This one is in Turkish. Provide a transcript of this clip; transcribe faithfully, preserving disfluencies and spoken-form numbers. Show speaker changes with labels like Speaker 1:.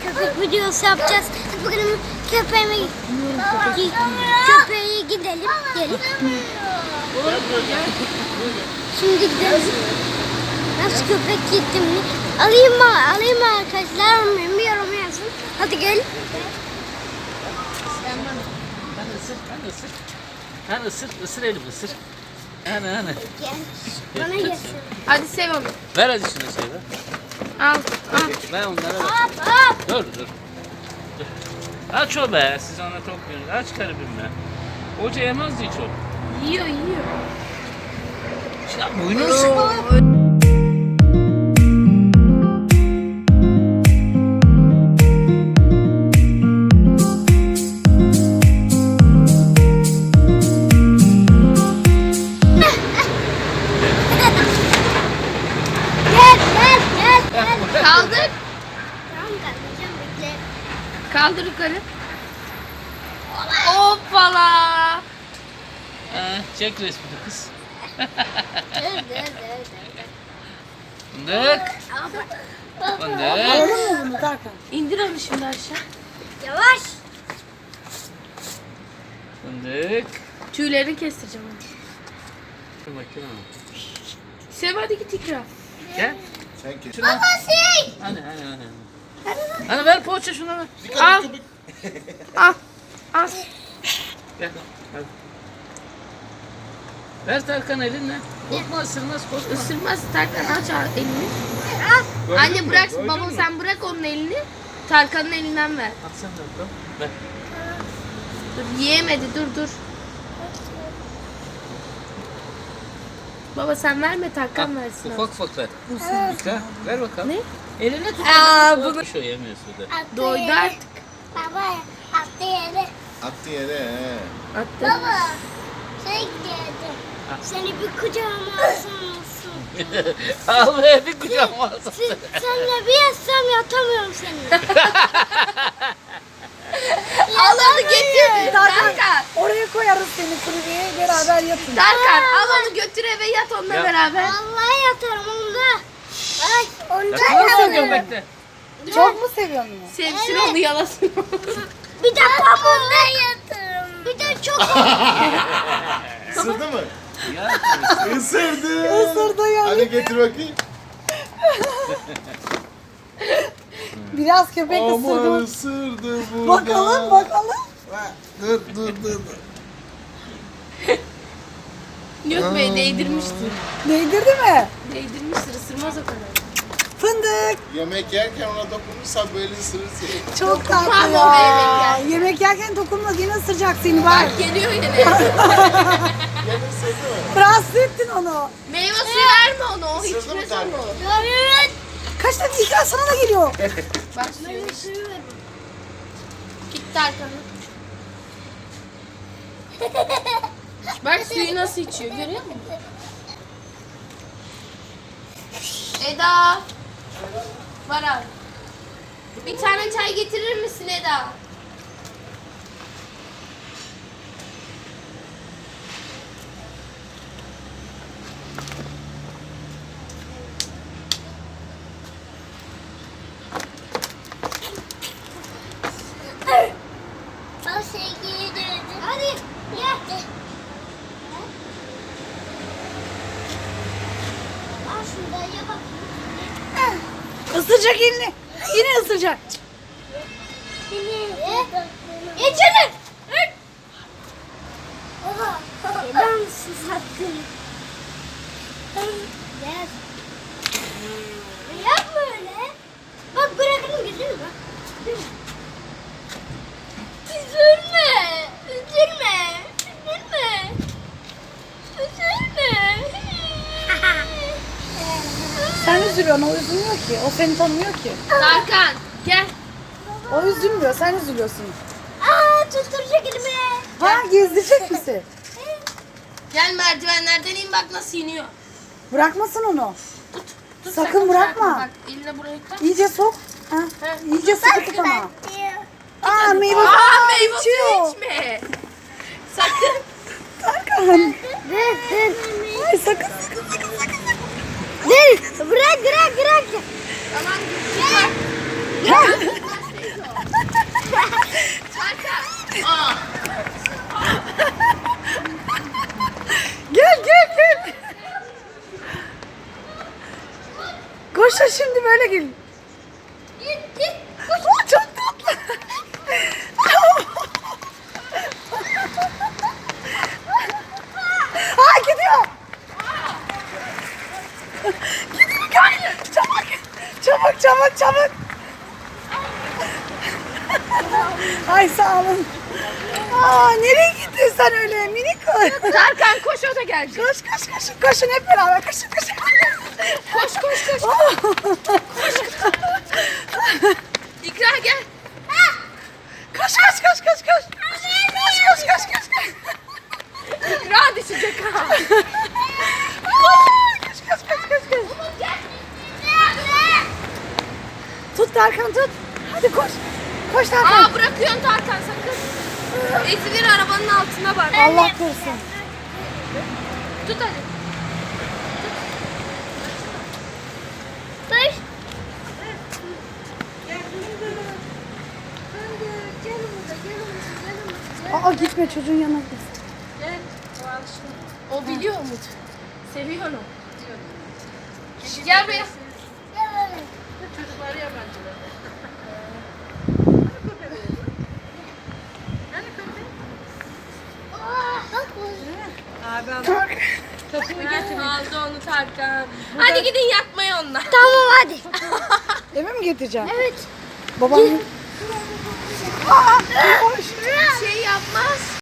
Speaker 1: köpek videosu yapacağız. Hadi bakalım köpeğime köpeğe gidelim. Gelin. Şimdi gidelim. Nasıl köpek gittim mi? Alayım mı? Alayım mı arkadaşlar? Bilmiyorum yazın. Hadi gel.
Speaker 2: Hani ısır, hani ısır. Hani ısır, ısır elim ısır. Hani hani.
Speaker 1: Gel. Bana gelsin.
Speaker 3: Hadi sev onu.
Speaker 2: Ver hadi şunu şey ver.
Speaker 3: Al, al.
Speaker 2: Ben onlara ver.
Speaker 1: Hop hop.
Speaker 2: Dur dur. Dur. Aç o be, siz ona tokmuyorsunuz. Aç karabimle. Hoca yemez hiç o.
Speaker 3: Yiyor, yiyor.
Speaker 2: Şimdi boynunu sıkma.
Speaker 1: Gel gel gel gel.
Speaker 3: Kaldır.
Speaker 1: Tamam kaldıracağım bekle.
Speaker 3: Kaldır yukarı. Hoppala.
Speaker 2: Ha, çek resmini kız.
Speaker 1: Dur dur dur dur.
Speaker 2: Fındık. Fındık.
Speaker 3: İndir onu şimdi aşağı.
Speaker 1: Yavaş.
Speaker 2: Fındık.
Speaker 3: Tüylerini kestireceğim onu.
Speaker 2: Dur bakayım.
Speaker 3: Sev hadi git ikra.
Speaker 2: Gel.
Speaker 4: Sen kes.
Speaker 2: Şuna.
Speaker 1: Şey.
Speaker 2: Hani hani hani. Hani ver poğaça şuna ver.
Speaker 3: Al. Al. Al.
Speaker 2: Gel. Hadi. Ver Tarkan elinle. Korkma ısırmaz korkma.
Speaker 3: Isırmaz Tarkan aç al elini.
Speaker 2: Gördün
Speaker 3: Anne
Speaker 2: mü?
Speaker 3: bırak
Speaker 2: Gördün
Speaker 3: baba
Speaker 2: mü?
Speaker 3: sen bırak onun elini. Tarkan'ın elinden ver.
Speaker 2: At sen de bakalım. Ver.
Speaker 3: Dur yiyemedi dur dur. Baba sen verme Tarkan
Speaker 2: Al,
Speaker 3: versin.
Speaker 2: ufak ufak ver. Ver, ver bakalım.
Speaker 3: Ne?
Speaker 2: Eline tut.
Speaker 3: Aa,
Speaker 2: bunu. Şu yemiyor suda.
Speaker 3: Doydu artık.
Speaker 1: Baba attı yere.
Speaker 4: Attı yere he.
Speaker 3: Attı.
Speaker 1: Baba şey geldi. Seni bir kucağıma alsam olsun.
Speaker 2: Al be bir kucağıma alsın.
Speaker 1: Sen, senle bir yatsam yatamıyorum seninle.
Speaker 3: Al onu getir. Tarkan.
Speaker 5: Oraya koyarız seni kulübeye beraber yatın.
Speaker 3: Tarkan al onu götür eve yat onunla
Speaker 2: Ya.
Speaker 3: beraber.
Speaker 1: Vallahi yatarım onda. Ay onda
Speaker 2: Nasıl
Speaker 1: yatarım.
Speaker 2: göbekte?
Speaker 5: Çok mu seviyorsun onu?
Speaker 3: Sevsin
Speaker 1: Evet.
Speaker 3: onu yalasın.
Speaker 1: Bir de pamuğunda yatarım. Bir de çok
Speaker 4: Isırdı mı?
Speaker 2: Ya.
Speaker 4: Isırdı.
Speaker 5: Isırdı ya.
Speaker 4: Hadi getir bakayım.
Speaker 5: Biraz köpek
Speaker 4: Aman
Speaker 5: ısırdı.
Speaker 4: ısırdı bu.
Speaker 5: Bakalım bakalım.
Speaker 4: Dur dur dur. dur.
Speaker 3: Yok be değdirmiştir.
Speaker 5: Değdirdi mi?
Speaker 3: Değdirmiştir ısırmaz o kadar.
Speaker 5: Fındık.
Speaker 4: Yemek yerken ona dokunursan böyle ısırırsın.
Speaker 5: Çok tatlı
Speaker 3: Dokunmam
Speaker 5: ya.
Speaker 3: o yemek yerken.
Speaker 5: Yemek yerken dokunma yine ısıracak seni bak.
Speaker 3: Bak geliyor yine.
Speaker 4: Gel ısırdı mı?
Speaker 5: Rahatsız ettin onu.
Speaker 3: Meyve suyu verme onu o
Speaker 4: Isırdı mı
Speaker 3: içmez
Speaker 4: Tarkan?
Speaker 3: onu.
Speaker 1: Evet.
Speaker 5: Kaç tane ikram sana da geliyor.
Speaker 3: Bak suyu. Gitti arkanı. Bak suyu nasıl içiyor görüyor musun? Eda. Var abi. Bir tane çay getirir misin Eda?
Speaker 1: O sevgiyi dövdü. Hadi gel. Al şurada ye bak.
Speaker 5: Isıracak elini. Yine ısıracak.
Speaker 1: İçeri. Oha. Neden susattın? Gel. Yapma öyle. Bak bırakın güzel bak. Üzülme. Üzülme. Üzülme. Üzülme.
Speaker 5: Sen üzülüyorsun o üzülmüyor ki. O seni tanımıyor ki.
Speaker 3: Tarkan gel.
Speaker 5: O üzülmüyor sen üzülüyorsun.
Speaker 1: Aa tutturacak elimi.
Speaker 5: Ha gezdirecek misin?
Speaker 3: Gel merdivenlerden in bak nasıl iniyor.
Speaker 5: Bırakmasın onu.
Speaker 3: Tut,
Speaker 5: Sakın bırakma.
Speaker 3: Bak eline buraya tak.
Speaker 5: İyice sok. Ha. İyice sıkı tut ama. Aa meyve
Speaker 3: Aa
Speaker 5: suyu
Speaker 3: meyve suyu
Speaker 5: içiyor.
Speaker 3: içme. Sakın.
Speaker 5: Tarkan.
Speaker 1: Dur dur.
Speaker 5: Ay sakın sakın sakın sakın.
Speaker 1: Dur. Bırak bırak bırak.
Speaker 3: Tamam.
Speaker 1: Gel.
Speaker 3: Gel.
Speaker 5: Ay sağ olun. Aa, nereye gittin sen öyle minik kız?
Speaker 3: Tarkan koş o da gelecek.
Speaker 5: Koş koş koş koşun hep beraber koşun koşun.
Speaker 3: Koş koş koş. İkra gel.
Speaker 5: Koş koş koş koş koş. Koş koş koş koş koş.
Speaker 3: İkra düşecek ha.
Speaker 5: Koş koş koş koş koş. Tut Tarkan tut. Hadi koş. Koş Tarkan.
Speaker 3: Aa bırakıyorsun Tarkan sakın. Ezilir arabanın altına bak.
Speaker 5: Allah korusun.
Speaker 3: Tut hadi.
Speaker 1: Dur.
Speaker 5: Aa gitme çocuğun yanına git.
Speaker 3: Gel. O alışma. O biliyor Umut. Seviyor onu. Gel buraya. Çocuklar yabancılar. Kapıyı getir. Aldı onu Tarkan. Hadi gidin yatmaya onunla.
Speaker 1: Tamam hadi.
Speaker 5: Eve mi getireceğim?
Speaker 1: Evet.
Speaker 5: Babam. Aa, koş.
Speaker 3: Şey yapmaz.